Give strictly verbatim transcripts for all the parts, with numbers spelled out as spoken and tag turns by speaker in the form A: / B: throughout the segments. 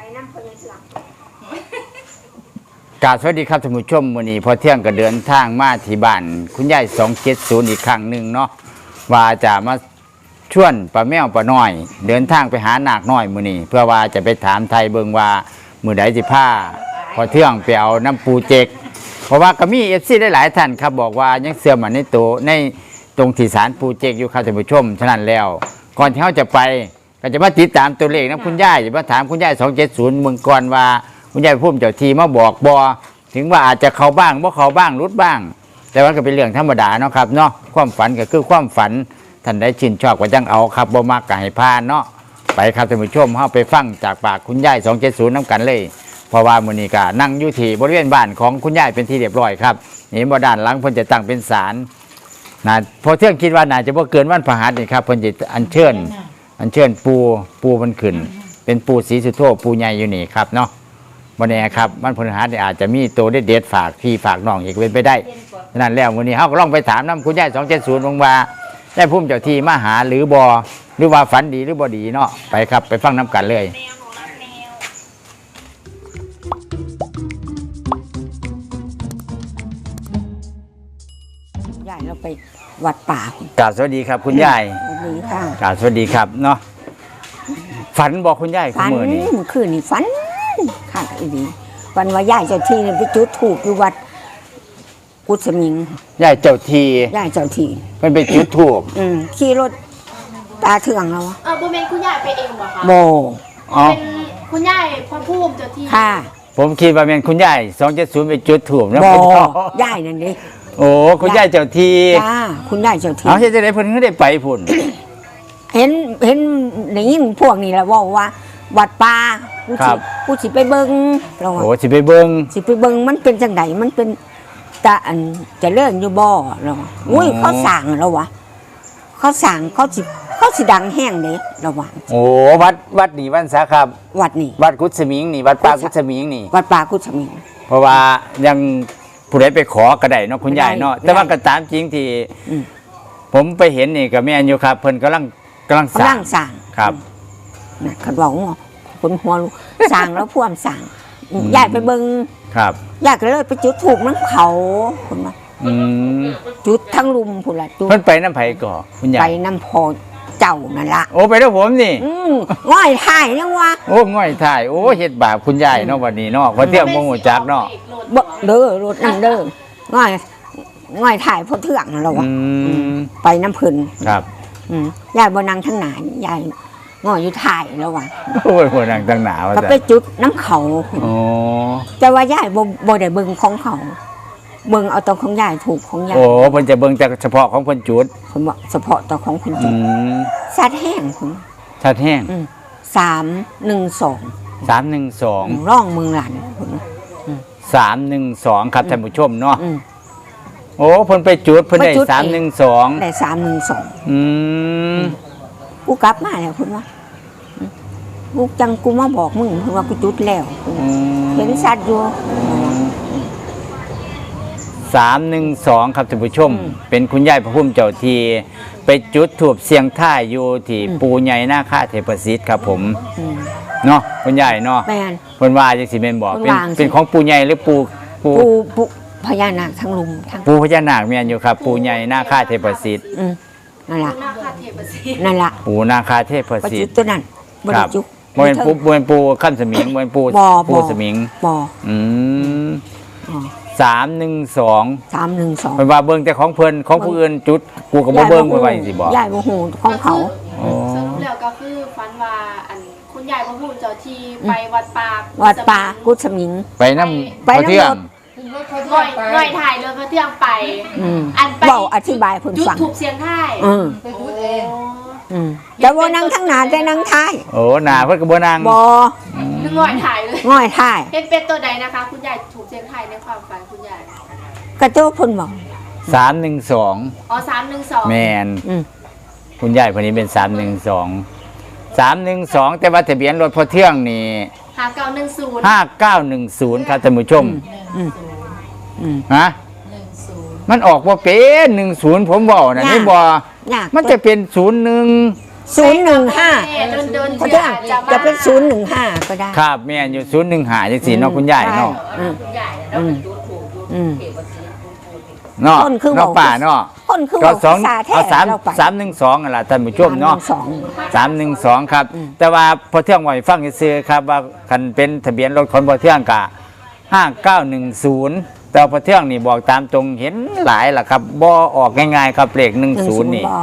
A: น้ำพญาเสือก
B: กราบสวัสดีครับท่านผู้ชมวันนี้พอเที่ยงก็เดินทางมาที่บ้านคุณยายสองเจ็ดศูนย์อีกครั้งหนึ่งเนาะว่าจะมาชวนป้าแมวป้าน้อย เดินทางไปหานาคน้อยมื้อนี้เพื่อว่าจะไปถามไทยเบิ่งว่ามื้อใดสิพาพอเที่ยงไปเอาน้ำปูเจกเพราะว่าก็มี เอฟ ซี ได้หลายท่านครับบอกว่ายังเสื่อมในตัวในตรงที่ศาลปูเจกอยู่ครับท่านผู้ชมฉะนั้นแล้วก่อนที่เขาจะไปก็จะมาติดตามตัวเลขนะคุณยายจะมาถามคุณยายสองเจ็ดศูนย์เมืองก่อนว่าคุณยายพุ่มเจ้าทีมาบอกบอถึงว่าอาจจะเข้าบ้างบ่เข้าบ้างรุดบ้างแต่ว่าก็เป็นเรื่องธรรมดาเนาะครับเนาะความฝันก็คือความฝันท่านได้ชินชอบก็จังเอาครับบ่มากก็ให้พานเนาะไปครับท่านผู้ชมเฮาไปฟังจากปากคุณยายสองเจ็ดศูนย์น้ำกันเลยเพราะว่ามื้อนี้ก็นั่งอยู่ที่บริเวณบ้านของคุณยายเป็นที่เรียบร้อยครับนี่บ่ด้านหลังเพิ่นจะตั้งเป็นศาลนะพอเที่ยงคิดว่าน่าจะบ่เกินวันพฤหัสนี่ครับเพิ่นจะอัญเชิญอัญเชิญปูปูมันขึ้นเป็นปูศรีสุโธปูใหญ่อยู่นี่ครับเนาะวันนี้ครับมันพฤหัสอาจจะมีตัวเด็ดๆฝากพี่ฝากน้องอีกเป็นไปได้ฉะนั้นแล้ววันนี้เขาก็ลองไปถามน้ำคุณยายสองเจ็ดศูนย์ว่าได้พุ่มเจ้าที่มาหาหรือบอหรือว่าฝันดีหรือบอดีเนาะไปครับไปฟังน้ำกันเลย
A: ยายเราไปวัดป่าก
B: ราบสวัสดีครับคุณยาย
A: สวัสดีค่ะ
B: กราบสวัสดีครับเนาะฝันบอกคุณยาย
A: ฝัน
B: เมื่อนี้
A: เมื่อคืนนี่ฝันค่ะอีดีวันว่ายายเจ้าที่ไปจุดถูกอยู่วัดกุศมิง
B: ยายเจ้าที
A: ยายเจ้าที่
B: เป็นไปจุดถูก
A: อืมขี่รถตาเถื่องเรา
C: เออบุเมนคุณยายไปเองเหรอคะ
A: โบ
B: อ๋อ
C: เป็นคุณยายพระภูมิเจ้าที่
A: ค่ะ
B: ผมคิดว่าเป็นคุณยายสองเจ็ดศูนย์ไปจุดถูกนะ
A: โบ
B: ผม
A: ยายนั่นดิ
B: โอ้คุณยายเจ้าที
A: จ้าคุณยายเจ้าที่
B: เอาเฮ็ดจังได๋เพิ่นถึงได้ไปพุ่น
A: เห็นเห็นได้ยินพวกนี้แล้วว่าว่าวัดป่ากูสิกูสิไปเบิ่งเราว่า
B: โอ้สิไปเบิ่ง
A: สิไปเบิ่งมันเป็นจังไดมันเป็นตาอันจะเลื่อนอยู่บ่เราว่าอุ้ยเขาสั่งเราวะเขาสั่งเขาสิเขาสิดังแห้งเด้เราว่า
B: โอ้วัดวัดนี่วันสาครับ
A: วัดนี่
B: วัดกุศมิงนี่วัดป่ากุศมิงนี่
A: วัดป่ากุศมิง
B: เพราะว่ายังผู้ใดไปขอก็ได้เนาะคุณยายเนาะ
A: ได้
B: แต่ว่าก็ตามจริงที่
A: อืม
B: ผมไปเห็นนี่ก็แม่นอยู่ครับเพิ่นกำลังกำลังส
A: กำ
B: ร้า
A: ลั
B: ง
A: งสั่ง
B: ครับ
A: น่ะเขาบอกว่าคนหัวลูกสั่งแล้วพ่วมสั่งยายไปเบิ่ง
B: ครับ
A: ยายก็เลยไปจุดถูกน้ำเขาคนว่า
B: อืม
A: จุดทั้งลุมพุ่นละจุด
B: เพิ่นไปน้ำไผก่อคุณยา
A: ไป
B: ย
A: น้ำพอเจ้านั่นละ
B: โอ้ไปแล้วผมนี่
A: อืมง่อยถ่ายยังวะ
B: โอ้ง่อยถ่ายโอ้เฮ็ดบาปคุณยายเนาะวันนี้เนาะว่าเที่ยวบ่ฮู้จักเนาะ
A: บ่เด้อรถนั่นเด้อง่อยง่อยถ่ายพอเถื่องเราวะ
B: อืม
A: ไปน้ำพึ่น
B: ครับ
A: อืมยายบนนางทั้งหนายายง่อยอยู่ถ่ายแล้ววะ
B: โอ้ยหัวนังตั้งหนาว่า
A: ก็
B: ซั่น
A: ไปจุดน้ำเขา
B: โอ้
A: แต่ว่ายายบ่บ่ได้เบิ่งของเขาเบิ่งเอาตัวของยายถูกของยาย
B: โอ้เพิ่นจะเบิ่งแต่เฉพาะของเพิ่นจุด
A: ผมบอกเฉพาะตัวของคุณจุ
B: อื
A: ด
B: ม
A: สัดแห้งผม
B: ชัดแห้ง
A: อืมสามหนึ่งสอง
B: สามหนึ่งสอง
A: ร่องเมืองหลันผม
B: สามหนึ่งสองครับท่านผู้ชมเนาะ
A: อืม
B: โอ้เพิ่นไปจุดเพิ่นได้
A: ไปจุด
B: สามหนึ่งสอง
A: ได้สามหนึ่งสอง
B: อืม
A: กูกลับมาแล้วคุณว่ากูจังกูมาบอกมึงเพิ่นว่ากูจุดแล้ว
B: อืม
A: เห็นสัตว์อยู่
B: สามหนึ่งสองครับท่านผู้ชม
A: อืม
B: เป็นคุณยายพระพุ่มเจ้าทีไปจุดถูบเสียงท่ายอยู่ที่
A: อืม
B: ปูใหญ่หน้าค่าเทพสิทธิ์ครับผม
A: อืม
B: เนาะคุณยายเนาะ
A: แม่น
B: เพิ่นว่าจังสิแม่นบอก
A: เพิ่
B: เป็น
A: นว่าจังสิ
B: เป็นของปูใหญ่หรือปูปู
A: ปูปูพญานาคทั้งลุมทั้ง
B: ปูพญานาคแม่นอยู่ครับ ปูใหญ่หน้าค่าเทพสิทธิ์
A: อืมนั่นล่ะ
C: คุณนาคาเทพสิ
A: นั่นล่ะ
B: ปูนาคาเทพ
A: ประ
B: สิ
A: จุ
B: ทธิ์
A: ตัวนั้นบ่
B: ค
A: ได้
B: รับ
A: จุ
B: บ่เป็นปูบ่เป็นปูขั้นสมิงบ่เป็นปู
A: บ่
B: ปู
A: บ่
B: สมิง
A: บ่
B: อืม
A: อ๋อ
B: สามหนึ่งสอง
A: สามหนึ่งสอง
B: เพิ่นว่าเบิ่งแต่ของเพิ่นของผู้อื่นจุดกูก็บ่เบิ่งไปไว้สิบอก
A: ยายบ่ฮู้ของเขา
B: อ๋อ
C: สรุปแล้วก็คือฝันว่าอันคุณยายพระภูมิเจ้าที่ไปวัดป่า
A: วัดป่ากุศมิง
B: ไปนำ
A: ไปนำ
B: เที่ยง
A: รถ
C: ง่อยง่อยถ่ายเรือพระเที่ยงไป
A: อืม
C: อันไป
A: เว้าอธิบายเพิ่น
C: จุด
A: ฟัง
C: ถูกเสียงท่าย
A: อืม
C: ไปจุดเอง
A: อืมแต่ว่านั่งทั้งหน้าแต่นั่งท้าย
B: โอ้หน้าเพิ่นก็บ่นั่ง
A: บ่
C: นึกง่อยถ่ายเลย
A: ง่อยท้าย
C: เป็นเป็นตัวใดนะคะ คุณยายถูกเสียงท่ายในความฝันคุณยาย
A: กระโจกเพิ่นบอก
B: สามหนึ่งสอง
C: อ๋อสามหนึ่งสอง
B: แม่น
A: อืม
B: คุณยายคนนี้เป็นสามหนึ่งสอง สามหนึ่งสองแต่ว่าทะเบียนรถพอเที่ยงนี่
C: หาเก้าหนึ่งศูนย์
B: ห้าเก้าหนึ่งศูนย์ครับท่านผู้ชม
A: อืมอืม
B: ฮะมันออกว่าเป็นหนึ่งศูนย์ผมบอกนะ
A: ยาก
B: นี่บอย
A: าก
B: มันจะเป็นศูนย์หนึ่ง
A: ศูนย์หนึ่งห้า
C: เดินเดิน
A: เขาจะจะเป็นศูนย์หนึ่งห้าก็ได้
B: ครับแม่นอยู่ศูนย์หนึ่งหาจังสี่เนาะคุณยายเนาะ
A: อืมอืมอืม
B: เนาะ
A: ต้นคือ
B: เนาะ
A: เว้า
B: ป่าเนาะ
A: คนคือ
B: ก็
A: ว่า
B: สอง
A: ซาแท้
B: เอาสาม
A: เราไป
B: สามหนึ่งสองนั่นล่ะท่านผู้ชมเนาะ
A: สอง
B: สามหนึ่งสองครับ
A: อืม
B: แต่ว่าพอเที่ยงไหวฟังซื้อๆครับว่าคันเป็นทะเบียนรถคนพอเที่ยงกะห้าเก้าหนึ่งศูนย์แต่พอเที่ยงนี่บอกตามตรงเห็นหลายล่ะครับบ่ออกง่ายๆครับเลขหนึ่งศูนย์นี่
A: บอก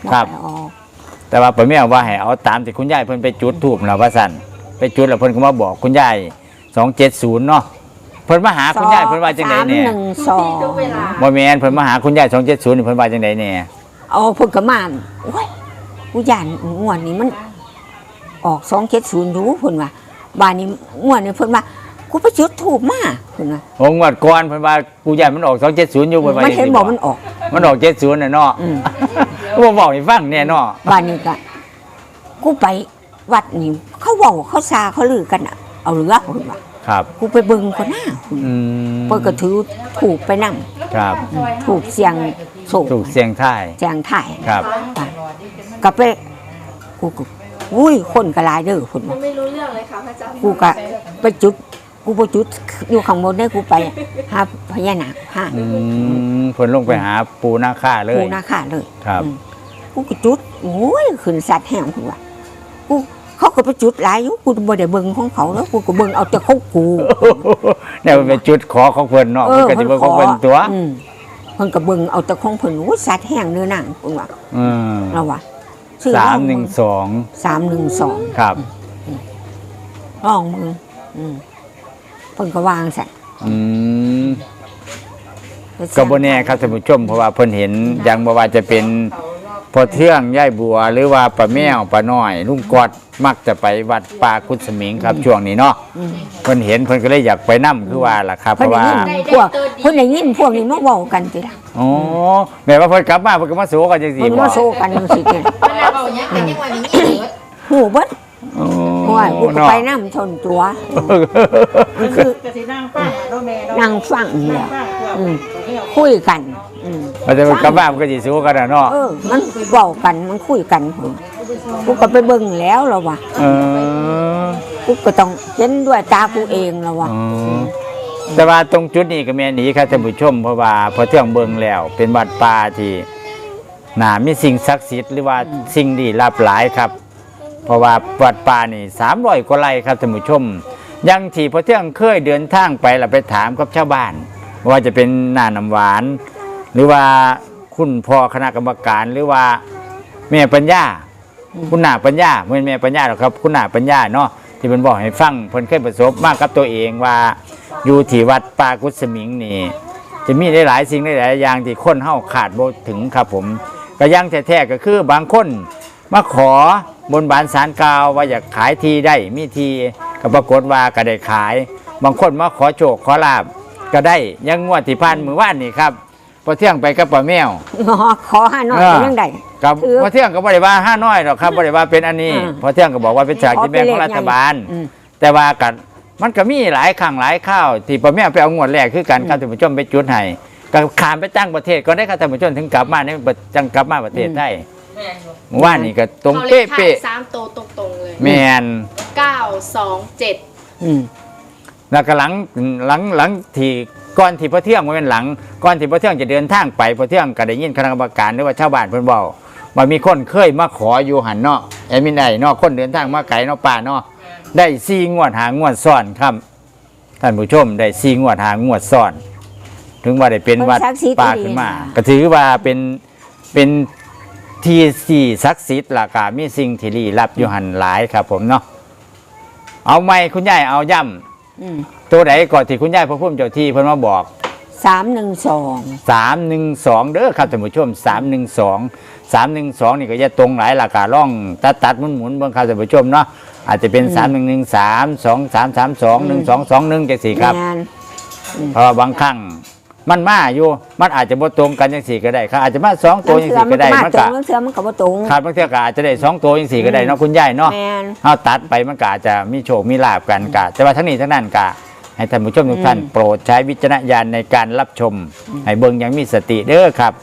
B: ครับ
A: อกออก
B: แต่ว่าป้าแม่ว่าให้เอาตามที่คุณยายเพิ่นไปจุดทูบแล้วว่าสั่นไปจุดแล้วเพิ่นก็มาบอกคุณยายสองเจ็ดศูนย์เนาะเพิ่นมาหาคุณยายเพิ่นว่าจังไดเนี่ย
A: สามหนึ่งสอง
C: ทุกเวลา
B: บ่แม่นเพิ่นมาหาคุณยายสองเจ็ดศูนย์เพิ่นว่าจังไดเนี่ย
A: เอาเพิ่นก็มาโอ้ยกูย่านงวดนี้มัน ออกสองเจ็ดศูนย์อยู่เพิ่นว่าบ้านนี้งวดนี้เพิ่นว่ากูไปจุดถูกมาเพิ่นว่า
B: โอ้งวดก่อนเพิ่นว่ากูยายมันออกสองเจ็ดศูนย์อยู่เพิ่นว่า
A: มัน
B: จัง
A: เห็น
B: ซี่
A: บอกมันออก
B: มันออกเจ็ดศูนย์น่ะเนาะ
A: อืม
B: บ่บอกให้ฟังแน่เนาะ
A: บ้านนี้ก็กูไปวัดนี่เขาเว้าเขาซาเขาลือกันอะเอาเรือเพิ่นว่า
B: ครับ
A: กูไปเบิ่งคนหน้า
B: อืม
A: เพิ่นก็ถือถูกไปนั่ง
B: ครับ
A: ถูกเสียงโศก
B: ถูกเสียงทาย
A: เสียงถ่าย
B: ครับ
A: ก็ไปกูก็อุ้ยคนก็หลายเด้อคน
C: มันไม่รู้เรื่องเลยค่ะพระอาจารย์
A: กูก็ไปจุด กูไปจุดอยู่ข้างบนได้กูไปหาพญานาคหา
B: อืมเพิ่นลงไปหาปูนาค่าเลย
A: กูนาคาเลย
B: ครับ
A: อืมกูก็จุดโอ้ยขึ้นสัตว์แห้งกูว่ากูเขาก็ไปจุดหลายอยู่กูบ่ได้เบิ่งของเขาแล้วกูก็เบิ่งเอาแต่ของกู
B: เนี่ยมันเป็นจุดขอของเพิ่นเนาะเพิ่นก็สิเบิ่งของเพิ่นตัว
A: อืมเพิ่นก็เบิ่งเอาแต่ของเพิ่นโอ้ยสัตว์แห้งเนื้อหนังกูว่า
B: อืม
A: เราว่า
B: สามหนึ่งสอง
A: สามหนึ่งสอง
B: ครับ
A: ลองมืออืมเพิ่นก็วางใส่
B: อืมก็บ่แน่ครับท่านผู้ชมเพราะว่าเพิ่นเห็นอย่างบ่ว่าจะเป็นพอเทื่องย่ายบัว หรือว่าป้าแมวป้าน้อย ลุงกอดมักจะไปวัดป่ากุศมิงครับช่วงนี้เนาะ
A: อืม
B: เพิ่นเห็นเพิ่นก็เลยอยากไปนํคือว่าล่ะครับเพ
A: เพิ่น
B: ราะ
A: ได้
B: ว่า
A: ยินพวกเพิ่นได้ยินพวกนี้มาเว้ากันติล่ะ
B: อ๋อแม่ว่าเพิ่นกลับมาเพิ่นก็มาสู้กันจังซี่
A: เพิ่น
B: บ่
A: มาโซกันจังซี่ติ
D: เวลาเราเนี้ยเป็นยังไงอย่างนี้เหรอ
A: หูเบิด
B: โอ้
A: โอ้ยกูก็ไปนำชนตัวมันคือ
D: กะสินั่งฟังเนาะแม่เนาะ
A: นั่งฟังนี่แหละ
D: ฟังเพื่อ
A: อืม
D: เที่ยว
A: คุยกันอืม
B: ว่าแต่มันกลับมามันก็สิสู้กันน่ะเนาะ
A: เออ มันเว้ากันมันคุยกันพุ่นกูก็ไปเบิ่งแล้วล่ะว่ะ
B: เออ
A: กูก็ต้องเห็นด้วยตากูเองล่ะว่ะ
B: อ๋อแต่ว่าตรงจุดนี้ก็แม่นอีครับท่านผู้ชมเพราะว่าพอเที่ยงเบิ่งแล้ว เป็นวัดป่าที่น่ามีสิ่งศักดิ์สิทธิ์หรือว่าสิ่งดีลับหลายครับ เพราะว่าวัดป่านี่สามร้อยกว่าไร่ครับท่านผู้ชมอยังที่พอเที่ยงเคยเดินทางไปแล้วไปถามกับชาวบ้าน ว่าจะเป็นหน้าน้ำหวาน หรือว่าคุณพ่อคณะกรรมการหรือว่าแม่ปัญญา คุณหน้าปัญญาไม่แม่ปัญญาหรอกครับ คุณหน้าปัญญาเนาะที่เพิ่นบอกให้ฟังเพิ่นเคยประสบมากกับตัวเองว่าอยู่ที่วัดป่ากุศมิงนี่จะมีหลายๆสิ่งหลายๆอย่างที่คนเฮาขาดบ่ถึงครับผมก็อยังแท้ๆก็คือบางคนมาขอบนบานสารกล่าวว่าอยากขายทีได้มีทีก็ปรากฏว่าก็ได้ขาย บางคนมาขอโชคขอลาบก็ได้อยังงวดที่ผ่านมื้อวานนี่ครับพอเที่ยงไปกับป้าแมว
A: อ๋อขอหาหน่อยเป็นยังไง
B: กับ
A: คือ
B: พอเที่ยงก็บริวาห้าน้อยหรอกครับบริวาเป็นอันนี้
A: อ่า
B: พอเที่ยงก็บอกว่าเป็นฉากกินแบ่งของรัฐบาล
A: อืม
B: แต่ว่ากันมันก็มีหลายครั้งหลายข้าวที่พ่อแม่ไปเอางวดแรกคือกันครับท่านผู้ชมไปจุดให้ก็ขามไปตั้งประเทศก็ได้ครับท่านผู้ชมถึงกลับมาในจังกลับมาประเทศไทย
D: แม่อยู่
B: เมื่อวานนี่ก็ตรง
C: เขาเล
B: เป๊ะ
C: ขท้ายสามโตวตรงๆเลย
B: ๆแมน
C: เก้าสองเจ็ด
A: อืม
B: แล้วก็หลังหลังหลังที่ก่อนที่พ่อเที่ยงมันเป็นหลังก่อนที่พ่อเที่ยงจะเดินทางไปพ่อเที่ยงก็ได้ยินคณะกรรมการหรือว่าชาวบ้านเพิ่นบอกว่ามีคนเคยมาขออยู่หันเนาะแอดมินไอเนาะคนเดินทางมาไกลเนาะป่าเนาะได้สี่งวดหางวดซ้อนครับท่านผู้ชมได้สี่งวดหางวดซ้อน ถึงว่าได้เป็นวัดป่าขึ้นมา ก็ถือว่าเป็นเป็นที่สี่ศักดิ์สิทธิ์ล่ะก็มีสิ่งที่ลี้ลับอยู่หันหลายครับ ผมเนาะเอาไหมคุณยายเอาย่ำ
A: อืม
B: ตัวไหนก่อนที่คุณยายพระพุ่มเจ้าที่เพิ่นมาบอก
A: สามหนึ่งสอง
B: สามหนึ่งสองเด้อครับท่านผู้ชมสามหนึ่งสองสามหนึ่งสองนี่ก็จะตรงหลายราคาล่องตัดตัดหมุนหมุนเบิ่งครับท่านผู้ชมเนาะอาจจะเป็นสามหนึ่งหนึ่งสามสองสามสามสองหนึ่งสองสองหนึ่งจังสี่ครับ
A: แม่น
B: เพราะว่าบางครั้งมันมาอยู่มันอาจจะบ่ตรงกันจังสี่ก็ได้ครับอาจจะมาสองตัวจังสี่ก็ได้
A: มั
B: มัน น
A: ตร
B: ก็
A: งเทือมันก็บ่ตรง
B: ขาดบางเทื่อก็อาจจะได้สองตัวจังสี่ก็ได้เนาะคุณยายเนาะ
A: แม่น
B: เอาตัดไปมันก็อาจจะมีโชคมีลาบกันกะแต่ว่าทั้งนี้ทั้งนั้นกะให้ท่านผู้ชมทุกท่าน
A: อืม
B: โปรดใช้วิจารณญาณในการรับชม ให้เบิ่งอยังมีสติเด้อครับ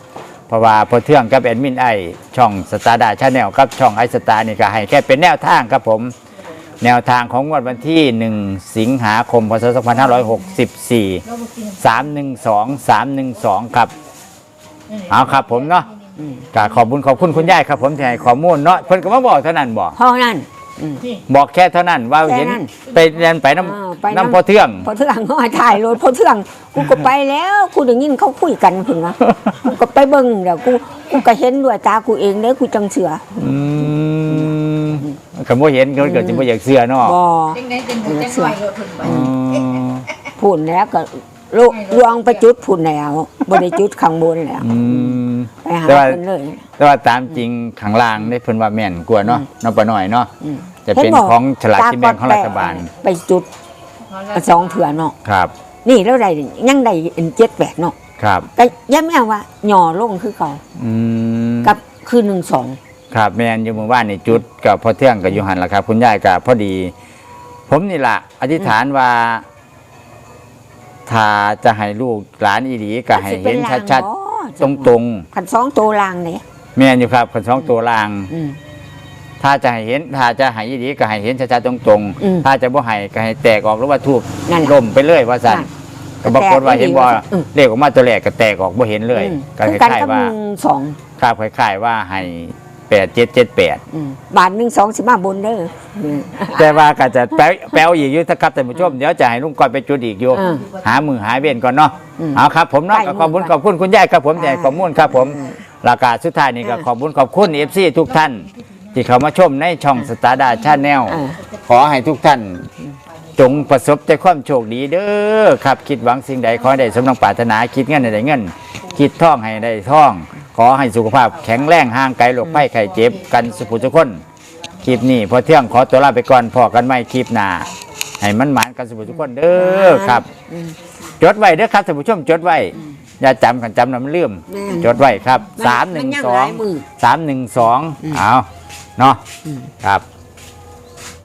B: เพราะว่าพอเทื่องกับแอดมินไอช่องสตาร์ดาชาแนลกับช่องไอสตาร์นี่ก็ให้แค่เป็นแนวทางครับผมแนวทางของงวดวันที่หนึ่งสิงหาคมพศสองพันห้าร้อยหกสิบสี่ สามหนึ่งสอง สามหนึ่งสองครับเอาครับผมเนาะก็ขอบคุณขอบคุณคุณยายครับผมที่ให้ข้อมูลเนาะเพิ่นก็มาบอกเท่านั้นบอก
A: เพราะนั่นอืม
B: บอกแค่เท่านั้นว่า
A: แค่
B: เห็น
A: นั้น
B: ไปเรียนไปน้
A: อ่าไป
B: ำ
A: น้ำ
B: น้ำพอเทื่อง
A: พอเทื่องเขาให้ถ่ายรถพอเทื่องกูก็ไปแล้วกูได้ยินเขาคุยกันเพิ่นว่ากูก็ไปเบิ่งเดี๋ยวกูกูก็เห็นด้วยตากูเองเด้อกูจังเสือ
B: อืมก็บ่เห็นก็เกิดจะบ่อยากเสื้อเนาะ
A: บ่
D: จังได๋จังหมูจังไว้รถเพิ่นไป
B: อืม
A: พูนแล้วก็ลลวงไปจุดพูนแล้วบ่ได้จุดข้างบนแล้ว
B: อืม
A: ไปหา
B: แต่ว่า
A: เพิ่นเลย
B: แต่ว่าตามจริงข้างล่างนี่เพิ่นว่าแม่นกว่าเนาะน้องปะหน่อยเนาะ
A: อืม
B: จะเป็นของฉลากกินแบ่งของรัฐบาล
A: ไปจุดสองเถื่อเนาะ
B: ครับ
A: นี่แล้วได้ยังได้เจ็ดแปดเนาะ
B: ครับ
A: ก็ย้ำแม่ว่าหย่อลงคือเก่า
B: อืม
A: กับคือหนึ่งสอง
B: ครับแม่นอยู่หมู่บ้านนี่จุดกับพ่อเทื่องกับยูหันล่ะครับ คุณยายกับพอดี ผมนี่ล่ะ อธิษฐานว่า ถ้าจะให้ลูกหลานอีหลีก็ให้เห็นชัดๆตรง
A: ขันสองตัวลางเนี่ย
B: ๆแม่นอยู่ครับคนสองตัวลาง
A: อืม
B: ถ้าจะให้เห็น ถ้าจะให้อีหลีก็ให้เห็นชัดๆตรง
A: อืม
B: ๆถ้าจะบ่ให้ก็ให้แตกออกหรือว่าทูบ
A: นั่นแหละ
B: ล่มไปเลยว่าสั่น
A: นั่น
B: ก็ปรากฏว่าเห็นบ่
A: อืม
B: เลขออกมาตัวแรกก็แตกออกบ่เห็นเลย
A: อืม
B: ก็
A: คือ
B: ค
A: กัน
B: ล้าย
A: กับ
B: ๆว่า
A: หนึ่งสอง
B: ครับคล้ายๆว่าให้แปดเจ็ดเจ็ดแปด
A: อืมบาทหนึ่งสองสิบห้าบนเด้ออืม
B: แต่ว่าก็จะแปลแปลอีกอยู่นะครับท่านผู้ชมเดี๋ยวจะให้ลุงก้อยไปจุดอีกอยู่
A: อืม
B: หามือหาเว้นก่อนเนาะ
A: อืม
B: เอาครับผมเนาะ
A: ไป
B: ก็ขอบคุณ
A: มือ
B: ขอบคุณคุณยายครับผม
A: อ่า
B: แต่ข้อมูลครับผมราคาสุดท้ายนี่ก็
A: อ่า
B: ขอบคุณขอบคุณเอฟซีทุกท่าน ที่เขามาชมในช่องสตาร์ดาชาแนล
A: อ่า
B: ขอให้ทุกท่าน จงประสบแต่ความโชคดีเด้อครับคิดหวังสิ่งใดขอให้ได้สมดังปรารถนาคิดเงินให้ได้เงิน คิดท่องให้ได้ท่อง ขอให้สุขภาพแข็งแรงห่างไกลโรคภัยไข้เจ็บกันสุขทุกคน คลิปนี้พอเที่ยงขอตัวลาไปก่อนพอกันไม่คลิปหน้าให้มันหมานกันสุขทุกคนเด้อครับ
A: อืม
B: จดไว้เด้อครับท่านผู้ชมจดไว้ อย่าจำกันจำนำลืม
A: แม่น
B: จดไว้ครับ
A: มัน
B: สามหนึ่ง
A: มันยัง
B: สอ
A: ห
B: ง
A: ลายมือ
B: สามหนึ่งสอง
A: อืม
B: เอาเนาะ
A: อืม
B: ครับ